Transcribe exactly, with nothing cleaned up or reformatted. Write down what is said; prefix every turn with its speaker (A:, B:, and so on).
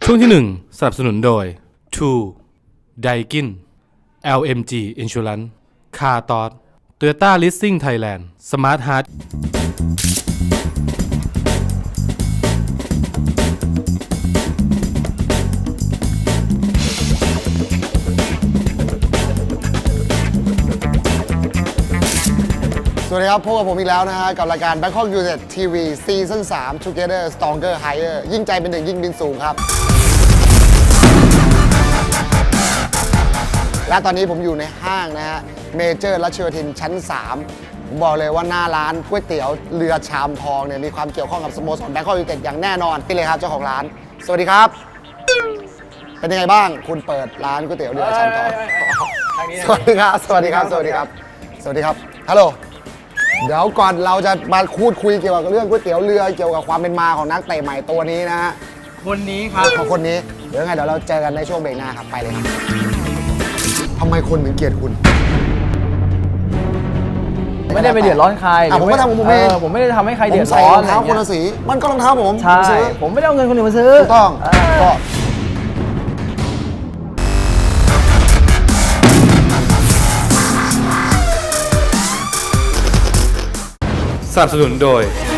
A: ช่วงที่หนึ่งสนับสนุนโดย ทู Daikin แอล เอ็ม จี Insurance Car Thought Toyota Leasing Thailand Smart Heart
B: สวัสดีครับพบกับผมอีกแล้วนะฮะกับรายการ Bangkok United ที วี ซีซั่นสาม Together Stronger Higher ยิ่งใจเป็นหนึ่งยิ่งบินสูงครับและตอนนี้ผมอยู่ในห้างนะฮะเมเจอร์รัชโยธินชั้นสามผมบอกเลยว่าหน้าร้านก๋วยเตี๋ยวเรือชามทองเนี่ยมีความเกี่ยวข้องกับสโมสร Bangkok United อย่างแน่นอนนี่เลยครับเจ้าของร้านสวัสดีครับเป็นยังไงบ้างคุณเปิดร้านก๋วยเตี๋ยวเรือชามทองสวัสดีครับสวัสดีครับสวัสดีครับสวัสดีครับฮัลโหลเดี๋ยวก่อนเราจะมาพูดคุยเกี่ยวกับเรื่องก๋วยเตี๋ยวเรือเกี่ยวกับความเป็นมาของนักเตะใหม่ตัวนี้นะฮะ
C: คนนี้ครับ
B: ของคนนี้เดี๋ยวยังไงเดี๋ยวเราเจอกันในช่วงเบรกหน้าครับไปเลยครับทำไมคนถึงเกลียดคุณ
C: ไม่ได้ไปเดือดร้อนใคร
B: อ่ะผมก็ทำของผมเอง
C: ผมไม่ได้ทำให้ใคร
B: ผ
C: เดื
B: ม
C: อด
B: ใส่
C: ร้อ
B: ร
C: น
B: องเท้าคนละสีมันก็รองเท้าผม
C: ใช่
B: ผมซื้อ
C: ผมไม่ได้เอาเงินคนอื่นมาซื้อ
B: ถูกต้อง
C: เออ
B: ก็
A: สนับสนุนโดย